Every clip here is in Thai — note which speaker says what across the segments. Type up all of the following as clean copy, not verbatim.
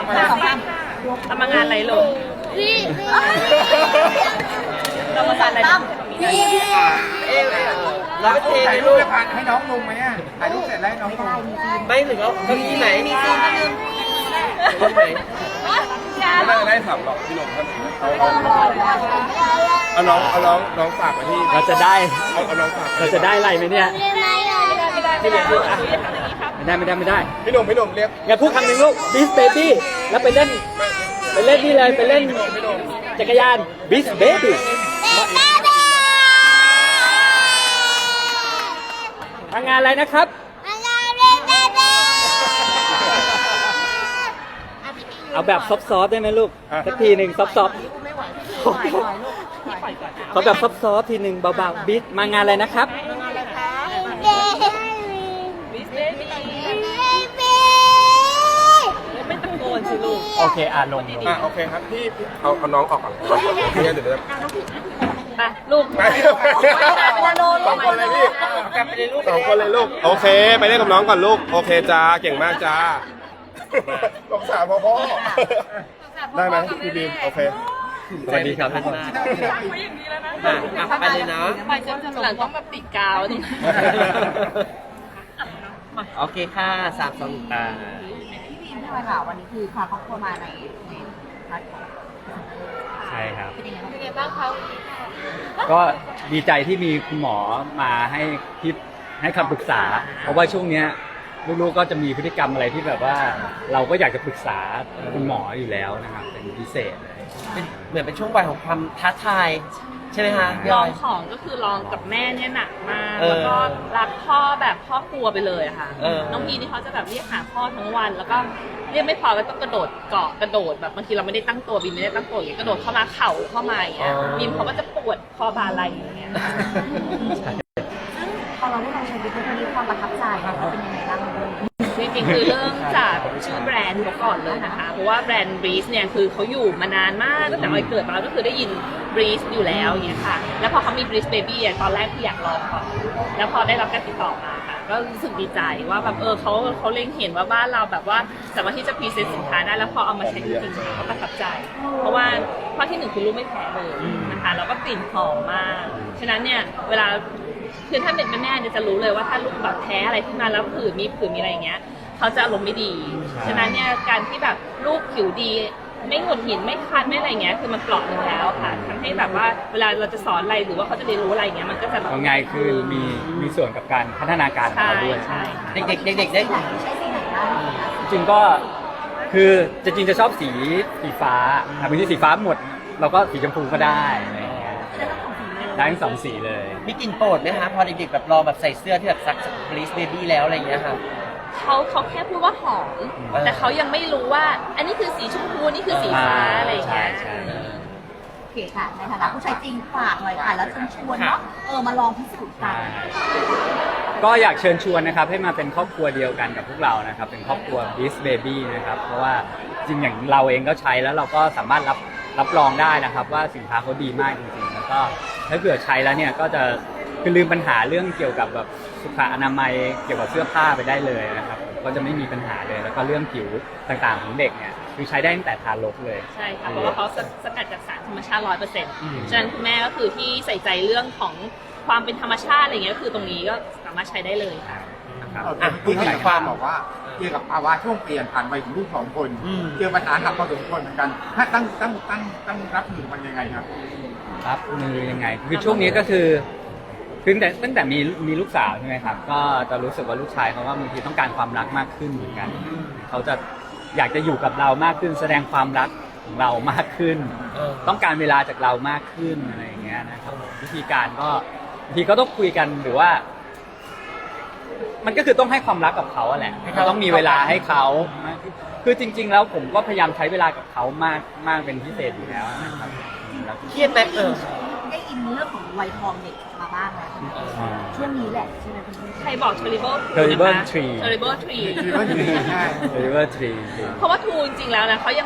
Speaker 1: ทำงานอะไรลูกทำงานอะไร
Speaker 2: เราไปถ่ายรูปให้น้องลงไหมอ่ะถ่ายรูปเสร็จแล้วให้น้องลง
Speaker 3: ไม่ถึงแล้วที่ไหนมีซีนนิดนึงตรงไหน
Speaker 2: ไม่น่าได้สับหรอกพี่หนุ่มท่านเอาน้องฝากมาที่
Speaker 4: เราจะได้
Speaker 2: เอาน้องฝาก
Speaker 4: เราจะได้อะไรไหมเนี่ย
Speaker 1: ไม่ได้
Speaker 4: ไม่ได้
Speaker 2: พี่หนุ่มเรียก
Speaker 4: งั้นพูดคำหนึ่งลูก Beast Baby แล้วไปเล่นนี่เลยไปเล่นจักรยาน Beast Baby ทำงานอะไรนะครับเอาแบบซอฟๆได้ไหมลูกสักทีหนึ่งซอฟๆเขาแบบซอฟๆทีหนึ่งเบาๆ Beast มางานอะไรนะครับ
Speaker 1: ไม่ตะโกนสิลูก
Speaker 4: โอเคลง
Speaker 2: โอเคครับพี่เอาน้องออกก่อนเดี๋ยว
Speaker 1: ไปลูก
Speaker 2: ไปสองคนเลยพี่กลับไปเลยลูก2 คนเลยลูกโอเคไปเล่นกับน้องก่อนลูกโอเคจ้าเก่งมากจ้าสงสารพ่อได้ไหมพี่บีมโอเค
Speaker 4: สวัสดีครับ
Speaker 3: ไปเลยนะ
Speaker 1: ไปจนหลังต้องแบบติดกาวนี่
Speaker 3: โอเคค่ะ3-2
Speaker 5: พี่บีมใช่ไหมคะวันนี้คือพาครอบครัวมาในพาร์ทของ
Speaker 4: ใช่ครับ
Speaker 5: เป็นยังไงบ้างคะ
Speaker 4: ก็ดีใจที่มีคุณหมอมาให้คำปรึกษาเพราะว่าช่วงเนี้ยลูกๆก็จะมีพฤติกรรมอะไรที่แบบว่าเราก็อยากจะปรึกษาคุณหมออยู่แล้วนะครับเป็นพิเศษเลย
Speaker 3: เหมือนเป็นช่วงวัยของความท้าทายใช่ไหมคะ
Speaker 1: ลองของก็คือลองกับแม่เนี่ยหนักมากแล้วก็รักพ่อแบบพ่อครัวไปเลยค่ะน้องพีนี่เขาจะแบบเรียกหาพ่อทั้งวันแล้วก็เรียกไม่พอก็ต้องกระโดดเกาะกระโดดแบบบางทีเราไม่ได้ตั้งตัวบินไม่ได้ตั้งตัวอย่างเงี้ยกระโดดเข้ามาเข่าเข้ามาอย่างเงี้ยบินเขาก็จะปวดคอบาไหล่อย่างเงี้ย
Speaker 5: พอเราได้ลองใช้วิธีนี้ความประทับใจเราเป็นยังไงบ้าง
Speaker 1: จริงๆคือเริ่มจากชื่อแบรนด์เขาก่อนเลยนะคะเพราะว่าแบรนด์ Breeze เนี่ยคือเขาอยู่มานานมากตั้งแต่เราเกิดมาก็คือได้ยิน Breeze อยู่แล้วอย่างเงี้ยค่ะแล้วพอเขามี Breeze Baby ตอนแรกที่อยากลองก่อนแล้วพอได้รับการติดต่อมาค่ะก็รู้สึกดีใจว่าแบบเขาเล็งเห็นว่าบ้านเราแบบว่าสามารถที่จะพรีเซนต์สินค้าได้แล้วพอเอามาใช้จริงๆก็ประทับใจ เพราะว่าข้อที่1คือลูกไม่แพ้เลยนะคะแล้วก็กลิ่นหอมมากฉะนั้นเนี่ยเวลาคือถ้าเป็นแม่เนี่ยจะรู้เลยว่าถ้าลูกแบบแพ้อะไรขึ้นมาแล้วผื่นมีอะไรอย่างเงี้ยเขาจะอารมณ์ไม่ดีฉะนั้นเนี่ยการที่แบบลูกผิวดีไม่หงุดหงิดไม่คันไม่อะไรเงี้ยคือมันเปราะหนึ่งแล้วค่ะทำให้แบบว่าเวลาเราจะสอนอะไรหรือว่าเขาจะเรียนรู้อะไรเงี้ยมันก็จะแบบ
Speaker 4: ง่ายคือมีส่วนกับการพัฒนาการของเขาด้วย
Speaker 3: เด็กได้
Speaker 4: จริงก็คือจริงจะชอบสีฟ้าบางทีสีฟ้าหมดเราก็สีชมพูก็ได้อะไรเงี้ยได้ทั้ง2 สีเลย
Speaker 3: มีกลิ่นโปรดไหมคะพอเด็กๆแบบรอแบบใส่เสื้อที่แบบซักBreeze Babyแล้วอะไรอย่างเงี้ยค่ะ
Speaker 1: เขาแค่พูดว่าหอมแต่เขายังไม่รู้ว่าอันนี้คือสีชมพูนี่คือสีฟ้าอะไรอย่างเงี้ย
Speaker 5: โอเคค่ะในฐานะผู้ใช้จริงฝากหน่อยค่ะแล้วเชิญชวนเนาะมาลองพิสูจน์กัน
Speaker 4: ก็อยากเชิญชวนนะครับให้มาเป็นครอบครัวเดียวกันกับพวกเรานะครับเป็นครอบครัว Beast Baby นะครับเพราะว่าจริงอย่างเราเองก็ใช้แล้วเราก็สามารถรับรองได้นะครับว่าสินค้าเขาดีมากจริงๆแล้วก็ถ้าเกิดใช้แล้วเนี่ยก็จะคือลืมปัญหาเรื่องเกี่ยวกับแบบสุขอนามัยเกี่ยวกับเสื้อผ้าไปได้เลยนะครับก็จะไม่มีปัญหาเลยแล้วก็เรื่องผิวต่างๆของเด็กเนี่ยคือใช้ได้ตั้งแต่ทารกเลย
Speaker 1: ใช่ค่ะเพราะว่าเขาสกัดจากสารธรรมชาติ 100% ฉะนั้นคุณแม่ก็คือที่ใส่ใจเรื่องของความเป็นธรรมชาติอะไรเงี้ยก็คือตรงนี้ก็สามารถใช้ได้เลยค่ะ
Speaker 2: คุณหมายความบอกว่าเกี่ยวกับภาวะช่วงเปลี่ยนผ่านวัยของลูก2 คนเจอปัญหาหนักพอสมควรเหมือนกันถ้าตั้งรับมือมันยังไงครับ
Speaker 4: รับมือยังไงคือช่วงนี้ก็คือตั้งแต่มีลูกสาวใช่ไหมครับก็จะรู้สึกว่าลูกชายเขาว่าบางทีต้องการความรักมากขึ้นเหมือนกันเขาจะอยากจะอยู่กับเรามากขึ้นแสดงความรักของเรามากขึ้นต้องการเวลาจากเรามากขึ้นอะไรอย่างเงี้ยนะครับวิธีการก็บางทีก็ต้องคุยกันหรือว่ามันก็คือต้องให้ความรักกับเขาแหละต้องมีเวลาให้เขาคือจริงๆแล้วผมก็พยายามใช้เวลากับเขามากเป็นพิเศษอยู่แล้วนะครับ
Speaker 3: เครียดไหม
Speaker 5: ได้อินเรื่องของวัยทองเด็กมาบ้างแล้วช่วงนี้แหละใช่ไหมคุณ
Speaker 1: ใครบอก Terrible
Speaker 4: Tree
Speaker 1: Terrible Tree
Speaker 4: เพราะว่าทูจริงๆแล้วนะ
Speaker 1: เขายังแบบ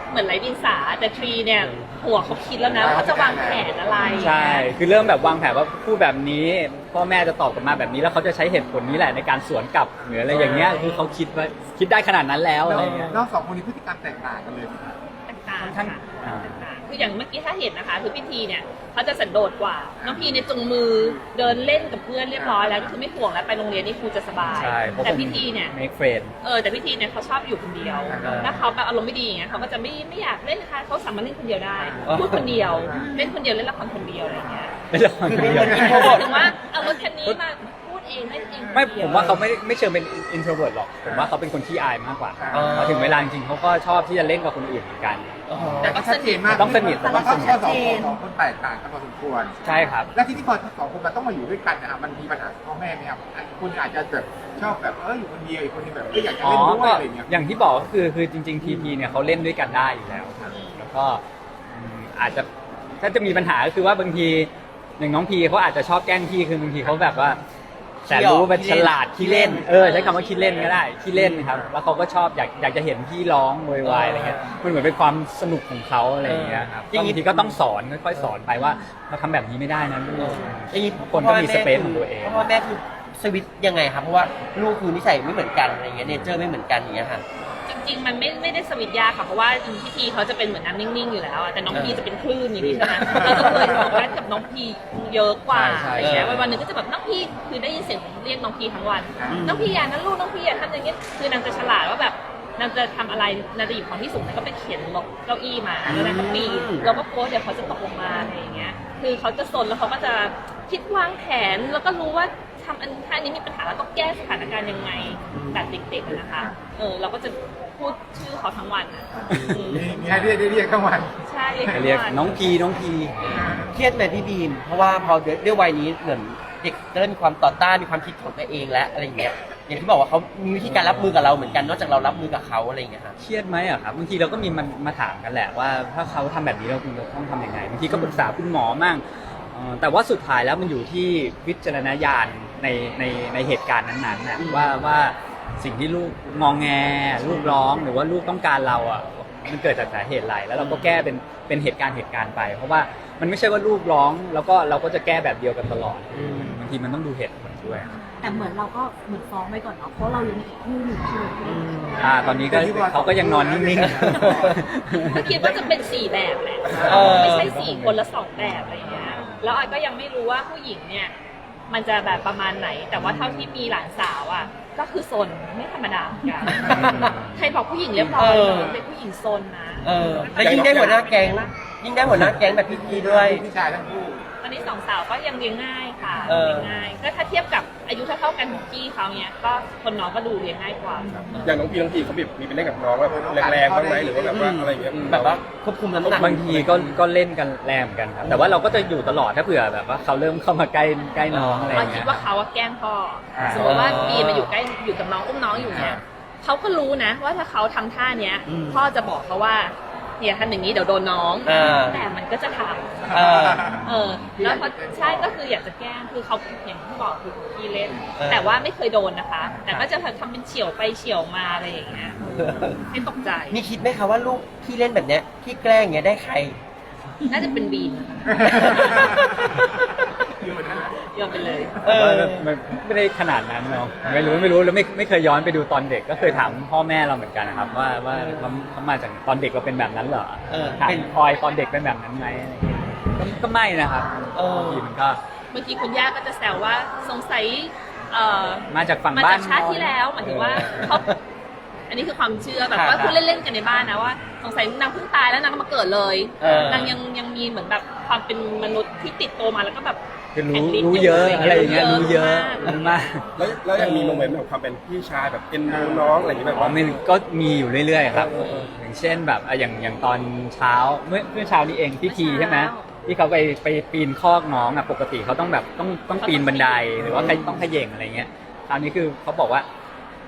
Speaker 1: เหมือนไร้ดินสาแต่ทรีเนี่ยหัวเขาคิดแล้วนะว่าเขาจะวางแผนอะไร
Speaker 4: ใช่คือเริ่มแบบวางแผนว่าพูดแบบนี้พ่อแม่จะตอบกลับมาแบบนี้แล้วเขาจะใช้เหตุผลนี้แหละในการสวนกลับหรืออะไรอย่างเงี้ยคือเขาคิดได้ขนาดนั้นแล้วอะไรเงี้ย
Speaker 6: น้องสองคนนี้พฤติกรรมแตกต่างกันเลย
Speaker 1: ต่าง
Speaker 4: ค่อน
Speaker 1: ๆ
Speaker 4: ข้าง
Speaker 1: ค่ะ
Speaker 4: อ่า
Speaker 1: ต่างๆคืออย่างเมื่อกี้ถ้าเห็นนะคะ คือพี่ทีเนี่ยเขาจะสันโดษกว่าน้องพีเนี่ยจุงมือเดินเล่นกับเพื่อนเรียบร้อยแล้วก็คือไม่ห่วงแล้วไปโรงเรียนนี่ครูจะสบาย
Speaker 4: ใช่เพราะ
Speaker 1: แต่
Speaker 4: ผม
Speaker 1: พี่ทีเนี่ย
Speaker 4: make friend
Speaker 1: แต่พี่ทีเนี่ยเขาชอบอยู่คนเดียวถ้าเขาแบบอารมณ์ไม่ดีอย่างเงี้ยเขาก็จะไม่อยากเล่นนะคะเขาสามารถเล่นคนเดียวได้ พูดคนเดียวเล่นคนเดียวเล่นละครคนเดียวอะไรอย่างเงี้ย
Speaker 4: ไม่ใช่คนเดียว
Speaker 1: ถึงว่าเอารถคันนี้มาพูดเองเล่นเอง
Speaker 4: ไม่ผมว่าเขาไม่เชิงเป็น introvert หรอกผมว่าเขาเป็นคนขี้อายมากกว่า
Speaker 3: อ๋อ
Speaker 4: พอถึงเวลาจริงๆเขาก็ชอบที่จะเล่นกับคนอื่นเหมือนกัน
Speaker 1: แต่ก็สนิท
Speaker 4: ต้องสนิท
Speaker 6: แต่ว่าเขาสองคนแตกต่างกันพอสมควร
Speaker 4: ใช่ครับ
Speaker 6: และที่พอสองคนมันต้องมาอยู่ด้วยกันนะครับมันมีปัญหาพ่อแม่ไหมครับคุณอาจจะแบบชอบแบบอยู่คนเดียวอีกคนนึงแบบอยากจะ
Speaker 4: อ๋อ
Speaker 6: เล่นด้วย
Speaker 4: ก็
Speaker 6: อะไรเงี้ย
Speaker 4: อย่างที่บอกก็คือจริงๆ TP เนี่ยเขาเล่นด้วยกันได้อยู่แล้วครับแล้วก็อาจจะถ้าจะมีปัญหาก็คือว่าบางทีอย่างน้องพีเขาอาจจะชอบแกล้งพี่คือบางทีเขาแบบว่าแต่รู้ว่าเป็นฉลาดขี้เล่นใช้คำว่าขี้เล่นก็ได้ขี้เล่นครับแล้วเขาก็ชอบอยากจะเห็นพี่ร้องโวยวายอะไรเงี้ยมันเหมือนเป็นความสนุกของเขาอะไรอย่างเงี้ยครับบางทีก็ต้องสอนค่อยๆสอนไปว่าเราทำแบบนี้ไม่ได้นะลูก
Speaker 3: อย่างนี้
Speaker 4: คนก็มีสเปซของตัวเอง
Speaker 3: พ่อแม่คือสวิตช์ยังไงครับเพราะว่าลูกคือนิสัยไม่เหมือนกันอะไรเงี้ยเนเจอร์ไม่เหมือนกันอย่างเงี้ยค่ะ
Speaker 1: จริงๆ มันไม่ได้สวิตช์ยากค่ะ เพราะว่าจริงๆพี่ทีเขาจะเป็นเหมือนน้ำนิ่งๆ อยู่แล้วอะแต่น้องพีจะเป็นคลื่นอย่างนี้ใช่ไหมเราก็เคยบอกว่ากับน้องพีเยอะกว่า
Speaker 4: ใช่
Speaker 1: อะไรเงี้ยวันๆหนึ่งก็จะแบบน้องพีคือได้ยินเสียงเรียกน้องพีทั้งวัน น้องพีอย่านั้นลูกน้องพีอย่าทำอย่างเงี้ยคือนางจะฉลาดว่าแบบนางจะทำอะไรนางจะหยิบของที่สูงนางก็ไปเขียนลงเก้าอี้มาแล้วนางก็ปีนเราก็กลัวเดี๋ยวเขาจะตกลงมาอะไรอย่างเงี้ยคือเขาจะซนแล้วเขาก็จะคิดวางแผนแล้วก็รู้ว่าทำถ้าอันนี้มีปัญหาแล้วต้องแก้สถานการณ์ยังไงแบบเด็กๆอะนะคะเราก็จะพูดชื่อเขาทั้งวันอะ
Speaker 6: มีให้เรียกทั้งวัน
Speaker 1: ใช่
Speaker 4: เรียกน้องพี
Speaker 3: เครียดไหมพี่บีมเพราะว่าพอด้วยวัยนี้เหมือนเด็กจะเริ่มมีความต่อต้านมีความคิดของตัวเองและอะไรอย่างเงี้ยอย่างที่บอกว่าเขามีวิธีการรับมือกับเราเหมือนกันนอกจากเรารับมือกับเขาอะไรอย่างเงี้ยค่ะ
Speaker 4: เครียดไหมอะครับบางทีเราก็มีมาถามกันแหละว่าถ้าเขาทำแบบนี้เราควรจะต้องทำยังไงบางทีก็ปรึกษาคุณหมอมั่งแต่ว่าสุดท้ายแล้วมันอยู่ที่วิจารณญาณในเหตุการณ์นั้นๆนะว่าสิ่งที่ลูกงองแงลูกร้องหรือว่าลูกต้องการเราอ่ะมันเกิดจากสาเหตุอะไรแล้วเราก็แก้เป็นเหตุการณ์ไป เพราะว่ามันไม่ใช่ว่าลูกร้องแล้วก็เราก็จะแก้แบบเดียวกันตลอดบางทีมันต้องดูเหตุผลด้วย
Speaker 5: แต่เหมือนเราก็เหมือนฟ้องไปก่อนเนาะเพราะเรายังมีอีกคู่หนึ่งใช่ไหม
Speaker 4: ตอนนี้ก็เขาก็ยังนอนนิ่ง
Speaker 1: ก็คิดว่าจะเป็น4แบบแหละไม่ใช่4คนละ2แบบอะไรอย่างเงี้ยแล้วออยก็ยังไม่รู้ว่าผู้หญิงเนี่ยมันจะแบบประมาณไหน แต่ว่าเท่าที่มีหลานสาวอ่ะก็คือซนไม่ธรรมดาเหมือนกันใครบอกผู้หญิงเรียบร้อยเป็นผู้หญิงซนนะ
Speaker 3: แล้วยิ่งได้หัวหน้าแก๊งแบบพี่พีด้วย
Speaker 6: พี่ชายทั้งคู่
Speaker 1: ตอนนี้2 สาวก็ยังเลี้ยงง่ายค่ะ
Speaker 3: เออ
Speaker 1: เลี้ยงง่ายก็ถ้าเทียบกับอายุเท่าๆกันของพี่เขาเนี่ยก็คนน้องก็ดูเลี้ยงง่ายกว่า
Speaker 2: อย่างน้องพีเขาแบบมีไปเล่นกับน้องแบบแรงๆบ้างไหมหรือว่าแบบว่าอะไรอย่างเงี้ย
Speaker 3: แบบว่าควบคุมน้ำหนัก
Speaker 4: ๆบางทีก็เล่นกันแรงเหมือนกันครับแต่ว่าเราก็จะอยู่ตลอดถ้าเผื่อแบบว่าเขาเริ่มเข้ามาใกล้น้องอะไรอ
Speaker 1: เรา
Speaker 4: ย่าง
Speaker 1: คิ
Speaker 4: เงี้
Speaker 1: ด
Speaker 4: ย
Speaker 1: ว่าเขาอะแกล้งพ่อ
Speaker 4: อ่า
Speaker 1: สมมติว่าบีมาอยู่กับน้องอุ้มน้องอยู่เนี่ยเขาก็รู้นะว่าถ้าเขาทำท่าเนี้ย พ่อจะบอกเขาว่าเนี่ยทำอย่างนี้เดี๋ยวโดนน้อง แต่มันก็จะทำแล้วพอใช่ก็คืออยากจะแกล้งคือเขาอย่างที่บอกคือขี้เล่น แต่ว่าไม่เคยโดนนะคะ แต่ก็จะทำเป็นเฉี่ยวไปเฉี่ยวมาอะไรอย่างเงี้ยให้ตกใจ
Speaker 3: มีคิดไหมคะว่าลูกที่เล่นแบบเนี้ยที่แกล้งเงี้ยได้ใคร
Speaker 1: น่าจะเป็นบีมโยนไปเลย
Speaker 4: ไม่ได้ขนาดนั้นเนาะไม่รู้แล้วไม่เคยย้อนไปดูตอนเด็กก็เคยถามพ่อแม่เราเหมือนกันนะครับว่าเขามาจากตอนเด็กเราเป็นแบบนั้นเหรอถามพลอยตอนเด็กเป็นแบบนั้นไหมอะไรอย่างเงี้ยก็ไม่นะครับบางทีมันก็
Speaker 1: บางทีคุณย่าก็จะแซวว่าสงสัย
Speaker 4: มาจากฝั่ง
Speaker 1: มา
Speaker 4: บ้า
Speaker 1: จาน กชาติที่แล้วหมายถึงว่าเขาอันนี้คือความเชื่อแบบว่าพูดเล่นๆกันในบ้านนะว่าสงสัยนางเพิ่งตายแล้วนางก็มาเกิดเลยนางยังมีเหมือนแบบความเป็นมนุษย์ที่ติดตัวมาแล้วก็แบบ
Speaker 4: คือรู้เยอะอะไรอย่างเงี้ยรู้เยอะมาก
Speaker 2: แล้วยังมีโมเมนต์แบบความเป็นพี่ชายแบบเอ็นดูน้องอะไรอย่างเงี้ยแบบ
Speaker 4: อ๋อ
Speaker 2: ว่า
Speaker 4: มันก็มีอยู่เรื่อยๆครับอย่างเช่นแบบอย่างตอนเช้าเมื่อเช้านี้เองพี่ทีใช่ไหมที่เขาไปปีนคอกน้องอ่ะปกติเขาต้องแบบต้องปีนบันไดหรือว่าใครต้องเขย่งอะไรเงี้ยคราวนี้คือเขาบอกว่า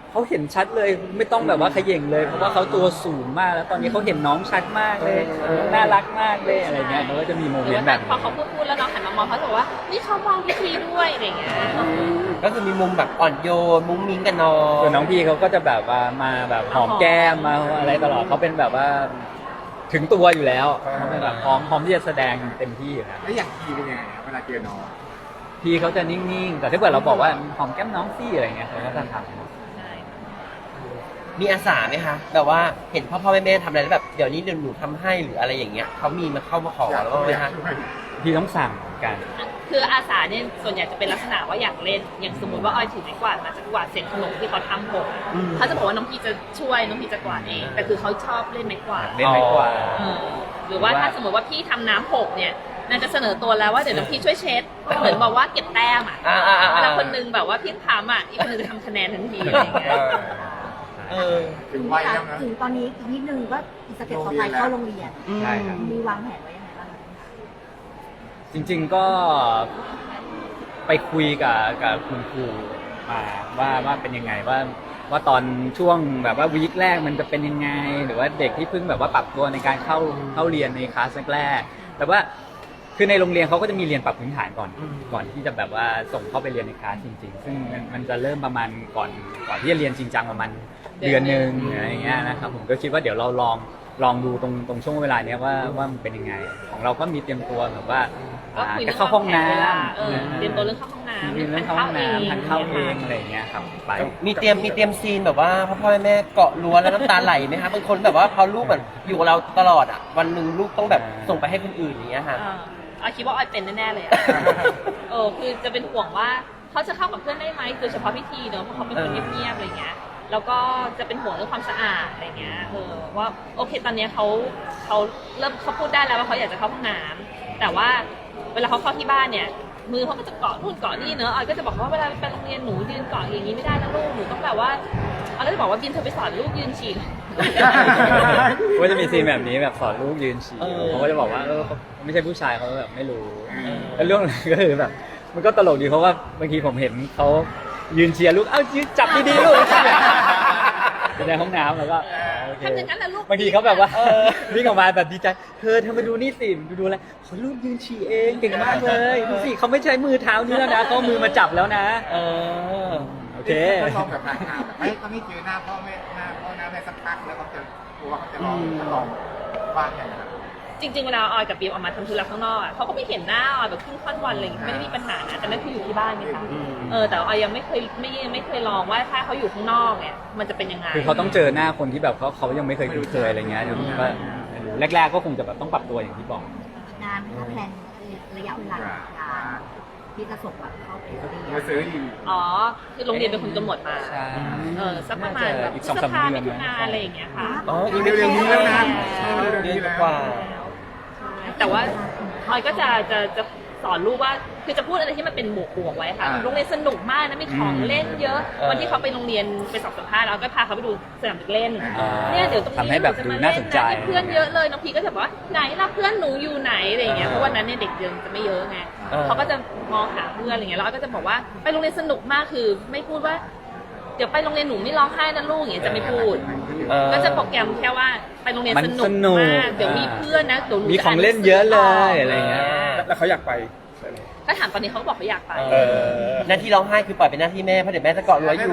Speaker 4: เขาเห็นชัดเลยไม่ต้องแบบว่าเขย่งเลยเพราะว่าเขาตัวสูงมากแล้วตอนนี้เขาเห็นน้องชัดมากเลยน่ารักมากเลยอะไรเงี้ยเขาก็จะมีโม
Speaker 1: ห
Speaker 4: เม
Speaker 1: รือน
Speaker 4: ต์
Speaker 1: ว่า
Speaker 4: แบบ
Speaker 1: พอเขาพูดแล้วน้องหันมามองเขาจะบอกว่านี่เขามองพิธีด้วยอะไรเงี้ย
Speaker 3: ก็คือมีมุมแบบอ่อนโยนมุ้งมิ้งกันน้อง
Speaker 4: ส่วนน้องพี่เขาก็จะแบบว่ามาแบบหอมแก้มมาอะไรตลอดเขาเป็นแบบว่าถึงตัวอยู่แล้วเขาเป็นแบบพร้อมที่จะแสดงเต็มที่อยู่แล้ว
Speaker 6: แล้วอย่างทีเป็นยังไงครับเวลาเจอน้อง
Speaker 4: พี่เขาจะนิ่งๆแต่ถ้าเกิดเราบอกว่าหอมแก้มน้องซี่อะไรเงี้ยเขาก็จะทำ
Speaker 1: ใช่
Speaker 3: มีอาสาไหมคะแบบว่าเห็นพ่อแม่ทำอะไรแล้วแบบเดี๋ยวนี้เดี๋ยวหนูทำให้หรืออะไรอย่างเงี้ยเขามีมาเข้ามาขอแล้วบ้างไหมคะ
Speaker 4: พี่ต้องสั่งเหมือนกัน
Speaker 1: คืออาสาเนี่ยส่วนใหญ่จะเป็นลักษณะว่าอยากเล่นอย่างสมมติว่าออยถือไม้กวาดมาจะกวาดเศษขนมที่เขาทำผมเขาจะบอกว่าน้องพีจะช่วยน้องพีจะกวาดเองแต่คือเขาชอบเล่นไม้กวาด
Speaker 4: เล่นไม้กวาด
Speaker 1: เออหรือว่าถ้าสมมติว่าพี่ทำน้ำหกเนี่ยนางจะเสนอตัวแล้วว่าเดี๋ยวน้องพี่ช่วยเช็ดเหมือนบอกว่าเก็บแต้มอ่ะเวลาคนนึงแบบว่าพี่ทำอ่ะอีกคนนึงจะทำคะแนนทันทีอะไรอย่างเงี้ย
Speaker 6: ถึงวัยแล้วนะ
Speaker 5: ถึงตอนนี้อีกนิดนึงว่าอีกสเต็ปต่อไปเข้าโรงเรียน
Speaker 4: ใช่ครับ
Speaker 5: มีวางแผนไว้ยังไงบ้างคะ
Speaker 4: จริงๆก็ไปคุยกับคุณครูมาว่าเป็นยังไงว่าตอนช่วงแบบว่าวีคแรกมันจะเป็นยังไง หรือว่าเด็กที่เพิ่งแบบว่าปรับตัวในการเข้าเรียนในคลาสแรกๆแต่ว่าคือในโรงเรียนเขาก็จะมีเรียนปรับพื้นฐานก่อนที่จะแบบว่าส่งเข้าไปเรียนในคลาสจริงๆ ซึ่งมันจะเริ่มประมาณก่อนที่จะเรียนจริงจังประมาณเดือนหนึ่งอะไรอย่างเงี้ยนะครับผมก็คิดว่าเดี๋ยวเราลองดูตรงช่วงเวลาเนี้ยว่ามันเป็นยังไงของเราก็มีเตรียมตัวแบบว่า
Speaker 1: ก็คุย
Speaker 4: จะเข้าห้องน้
Speaker 1: เตรียมตัวเรื่องเข้าห้องน้ำ
Speaker 4: เรื่องเข้าห้องน้ำทานข้าวเองอะไรอย่างเงี้ยครับไป
Speaker 3: มีเตรียมซีนแบบว่าพ่อแม่เกาะรั้วแล้วน้ำตาไหลไหมคะบางคนแบบว่าพอลูกแบบอยู่กับเราตลอดอ่ะวันหนึ่งลูกต้องแบบส่งไปให้คนอื่นอย่างเงี้ยค่ะ
Speaker 1: ออยคิดว่าออยเป็นแน่ๆเลยอะ คือจะเป็นห่วงว่าเขาจะเข้ากับเพื่อนได้ไหมโดยเฉพาะพิธีเนอะเพราะเขาเป็นคนเงียบๆอะไรเงี้ยแล้วก็จะเป็นห่วงเรื่องความสะอาดอะไรเงี้ยว่าโอเคตอนเนี้ยเขาเริ่มเขาพูดได้แล้วว่าเขาอยากจะเข้าห้องน้ำแต่ว่าเวลาเขาเข้าที่บ้านเนี่ยมือเขาก็จะเกาะนู่นเกาะนี่เนอะออยก็จะบอกว่าเวลาไปโรงเรียนหนูยืนเกาะอย่างนี้ไม่ได้นะลูกหนูต้องแบบว่าออยก็จะบอกว่าบินเธอไปสอนลูกยืนฉี่
Speaker 4: ก็จะมีซีนแบบนี้แบบสอนลูกยืนฉี่เขาก็จะบอกว่าเขาไม่ใช่ผู้ชายเขาแบบไม่รู้แล้วเรื่องก็คือแบบมันก็ตลกดีเพราะว่าบางทีผมเห็นเขายืนเชียร์ลูกเอ้ายืนจับดีๆลูกอยู่ในห้องน้ำแล้วก็โอเค
Speaker 1: ทำอย่างนั้นแหละลูก
Speaker 4: บางทีเขาแบบว่าวิ่งออกมาแบบดีใจเธอมาดูนี่สิดูอะไรเขาลูกยืนฉี่เองเก่งมากเลยดูสิเขาไม่ใช้มือเท้านี้แล้วนะเขาเอามือมาจับแล้วนะโอเค
Speaker 6: ถ้าลองแบบห่างๆแบบไม่เจอหน้าพ่อแม่สักพักแล้วเขาจะกลัวเขาจะลองบ้างอย่างไร
Speaker 1: จริงๆเวลาออยกับบีมออกมาทำธุระข้างนอกอะเขาก็ไม่เห็นหน้าออยแบบครึ่งค่อนวันอะไรอย่างเงี้ยไม่ได้มีปัญหานะแต่นั่นคืออยู่ที่บ้านไงคะแต่ออยยังไม่เคยลองว่าถ้าเขาอยู่ข้างนอกเนี่ยมันจะเป็นยังไง
Speaker 4: คือเขาต้องเจอหน้าคนที่แบบเขายังไม่เคยคุ้นเคยอะไรเงี้ยเดี๋ยวก็แรกๆก็คงจะแบบต้องปรับตัวอย่างที่บอก
Speaker 5: นานไหมคะแพลนระยะเวลาการที่จะส่งแบบเข้าไปเรียน
Speaker 6: มาซื้ออยู่
Speaker 1: คือโรงเรียนเป็นคนกำหนดมา
Speaker 4: ใช่
Speaker 1: สักประมาณแบบ
Speaker 4: อีก
Speaker 1: พฤษ
Speaker 4: 2-3
Speaker 1: ภา
Speaker 4: เดือน
Speaker 1: มิถุนาอะไรอย่างเงี้ยค่ะ
Speaker 6: อีกเร็วๆนี้แล้วนะ
Speaker 3: เดือนกว่า
Speaker 1: แต่ว่าออยก็จะสอนลูกว่าคือจะพูดอะไรที่มันเป็นบวกๆไว้ค่ะโรงเรียนสนุกมากนะมีของเล่นเยอะ วันที่เขาไปโรงเรียนไปสอบสัมภาษณ์แล้วก็พาเขาไปดูสนามเด็กเล่นเนี่ยเดี๋ยวตรงนี้
Speaker 4: ทำให้แบบดูน่าสนใจ
Speaker 1: มีเพื่อนเยอะเลยน้องพีก็จะบอกว่าไหนล่ะเพื่อนหนูอยู่ไหนอะไรอย่างเงี้ยเพราะวันนั้นเนี่ยเด็กยังจะไม่เยอะไงเขาก็จะมองหาเพื่อนอะไรเงี้ยแล้วก็จะบอกว่าไปโรงเรียนสนุกมากคือไม่พูดว่าเดี๋ยวไปโรงเรียนหนูไม่ร้องไห้นะลูกอย่างเงี้ยจะไม่พูดก็จะโปรแกรมแค่ว่าไปโรงเรียนสนุกมากเดี๋ยวมีเพื่อนนะเดี๋ยวหนู
Speaker 4: มีของเล่นเยอะเลยอะไรเงี้ย
Speaker 2: แล้วเขาอยากไป
Speaker 1: ถ้าถามตอนนี้เขาก็บอกเขาอยากไป
Speaker 3: หน้าที่ร้องไห้คือปล่อยเป็นหน้าที่แม่เพราะเดี๋ยวแม่จะเกาะรั้วอยู่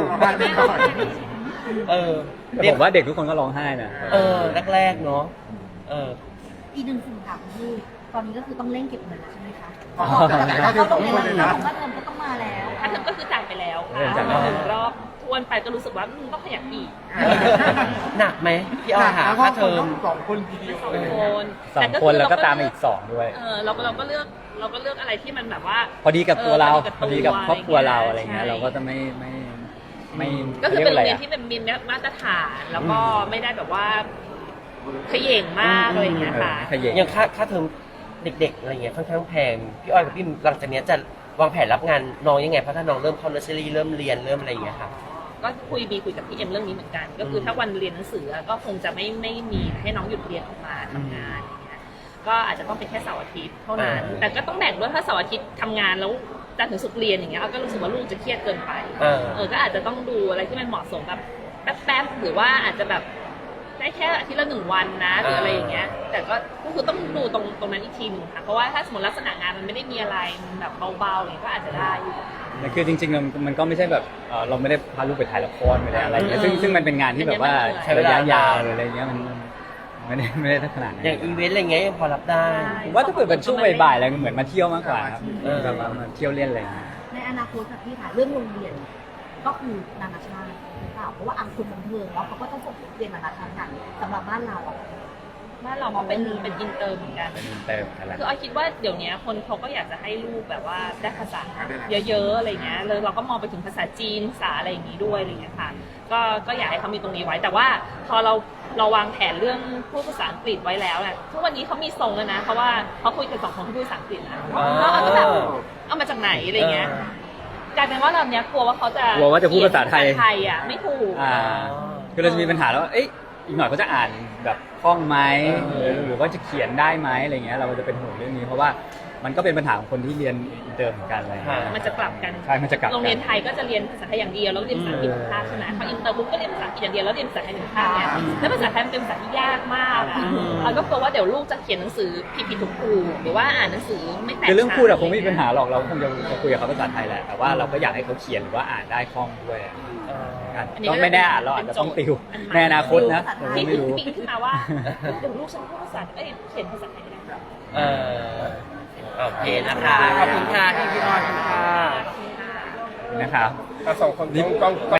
Speaker 4: แต่ผมว่าเด็กทุกคนก็ร้องไห้นะ
Speaker 3: แรกๆเนาะ
Speaker 5: อีกหนึ่งสิ่งค่ะคือตอนนี้ก็คือต้องเร่งเก็บเงินแล้วใช่ไหมคะ
Speaker 6: เขาจะส่งคนเลยนะ
Speaker 5: ผมว่าเงินก็ต้องมาแล้ว
Speaker 1: ถ้าเทอมก็คือจ่ายไปแล้วค่ะหนึ่งรอบทวนไปก็รู้สึกว่าต้องขยันอีก
Speaker 3: หนักไหมพี่อ้อยหาค่าเทอม
Speaker 6: สองคนทีเดียว
Speaker 1: สอง
Speaker 6: เลย
Speaker 1: คน
Speaker 4: 2 คนแล้วก็ตามมาอีก 2 ด้วย
Speaker 1: เราก็เลือกอะไรที่มันแบบว่า
Speaker 4: พอดีกับตัวเรา พอดีกับครอบครัวเรา
Speaker 1: ใช่
Speaker 4: อะไรเงี้ยเราก็จะไม่
Speaker 1: ก็คือเป็นโรงเรียน
Speaker 4: ขา
Speaker 1: ที่เป็นมินมาตรฐานแล้วก็ไม่ได้แบบว่าเขย่งมากอะไรอย่างเงี้ยค่ะ
Speaker 4: ขยง
Speaker 3: อย่างค่าเทอมเด็กๆอะไรเงี้ยค่อนข้างแพงพี่อ้อยกับพี่หลังจากเนี้ยจะวางแผนรับงานน้องยังไงเพราะถ้าน้องเริ่มเข้าเนอร์เซอรี่เริ่มเรียนเริ่มอะไรอย่างเงี้ยค่ะ
Speaker 1: ก็คุยกับพี่เอ็มเรื่องนี้เหมือนกัน ก็คือถ้าวันเรียนหนังสือก็คงจะไม่มีให้น้องหยุดเรียนออกมาทำงานอย่างเงี้ยก็อาจจะต้องเป็นแค่เสาร์อาทิตย์เท่านั้นแต่ก็ต้องแบ่งด้วยถ้าเสาร์อาทิตย์ทำงานแล้วจันทร์ถึงศุกร์เรียนอย่างเงี้ยเราก็รู้สึกว่าลูกจะเครียดเกินไปก็อาจจะต้องดูอะไรที่มันเหมาะสมแบบแป๊บๆหรือว่าอาจจะแบบได้แค่อาทิตย์ละ1 วันนะหรืออะไรอย่างเงี้ยแต่ก็คือต้องดูตรงนั้นอีกทีนึงค่ะเพราะว่าถ้าสมมติลักษณะงานมันไม่ได้มีอะไรมันแบบเบาๆอย่างเงี้ยก็อาจจะได้อยู่
Speaker 4: แต่คือจริงๆมันก็ไม่ใช่แบบเราไม่ได้พาลูกไปถ่ายละครไม่ได้อะไรอย่างเงี้ยซึ่งมันเป็นงานที่แบบว่าใช้ระยะยาวหรืออะไรเงี้ยมันไม่ได้ขนาดนั้น
Speaker 3: อย่างอีเวนต์อะไรเงี้ยยังพอรับได้
Speaker 4: ผมว่าถ้าเกิดเป็นช่วงบ่ายๆอะไรเหมือนมาเที่ยวมากกว่าครับแบบว่ามาเที่ยวเล่นอะไรอย่างเงี้ย
Speaker 5: ในอนาคตค่ะพี่ค่ะเรื่องโรงเรียนก็คือนานาชาติหรือเปล่าเพราะว่าคนบันเทิงแล้วเขาก็ต้องส่งเรียนนานาชาติกันสำหรับบ้านเราอะ
Speaker 1: บ้านเรามองเป็นอินเตอร์เหมือนกัน
Speaker 4: เป็นเติมอะไร
Speaker 1: คืออ้อยคิดว่าเดี๋ยวนี้คนเขาก็อยากจะให้ลูกแบบว่าได้ภาษาเยอะๆอะไรเงี้ยเลยเราก็มองไปถึงภาษาจีนภาษาอะไรอย่างนี้ด้วยอะไรเงี้ยค่ะก็อยากให้เขามีตรงนี้ไว้ แต่ว่าพอเราวางแผนเรื่องพูดภาษาอังกฤษไว้แล้วเนี่ยทุกวันนี้เขามีทรงแล้วนะเพราะว่าเขาคุยกัน2 คนที่พูดภาษาอังกฤษนะแล้วเราก็แบบเอามาจากไหนอะไรเงี้ยกลายเป็นว่าเราเนี้ยกลัวว่าเขาจะ
Speaker 4: กลัวว่าจะพูดภาษาไทย
Speaker 1: อ่ะไม่ถูก
Speaker 4: คือเราจะมีปัญหาแล้วว่าอีกหน่อยเขาจะอ่านแบบคล่องไหมหรือว่าจะเขียนได้ไหมอะไรเงี้ยเราจะเป็นห่วงเรื่องนี้เพราะว่ามันก็เป็นปัญหาของคนที่เรียนอินเตอร์เหมือนกันอะไรเงี้ย
Speaker 1: มันจะกลับกัน
Speaker 4: ใช่มันจะกลับกัน
Speaker 1: โรงเรียนไทยก็จะเรียนภาษาไทยอย่างเดียวแล้วก็เรียนภาษาอังกฤษหนึ่งภาคใช่ไหมพออินเตอร์ปุ๊บก็เรียนภาษาอังกฤษอย่างเดียวแล้วเรียนภาษาไทยหนึ่งภาคเนี่ยแล้วภาษาไทยมันเป็นภาษาที่ยากมากอ่ะเราก็กลัวว่าเดี๋ยวลูกจะเขียนหนังสือผิดถูกหรือว่าอ่านหนังสือไม่แตก
Speaker 4: คือเรื่องพูดอะคงไม่มีปัญหาหรอกเราคงจะคุยกับเขาภาษาไทยแหละแต่ว่าเราก็อยากให้เขาเขียนหรือว่าอ่านได้คล่องด้วยก็ไม่แน่เราอาจจะต้องติวในอนาคตนะเรา
Speaker 1: ที่
Speaker 4: ไม่รู้
Speaker 1: ปิ๊งขึ้นมาว่าเดี๋ยวลูกฉันพูดภาษาเขียนภาษาไทยไม่ได้
Speaker 3: โอเคนะคะ ขอบคุณค่ะพี่ออยค่ะ
Speaker 4: นะครับ
Speaker 2: 2 คนกล้อง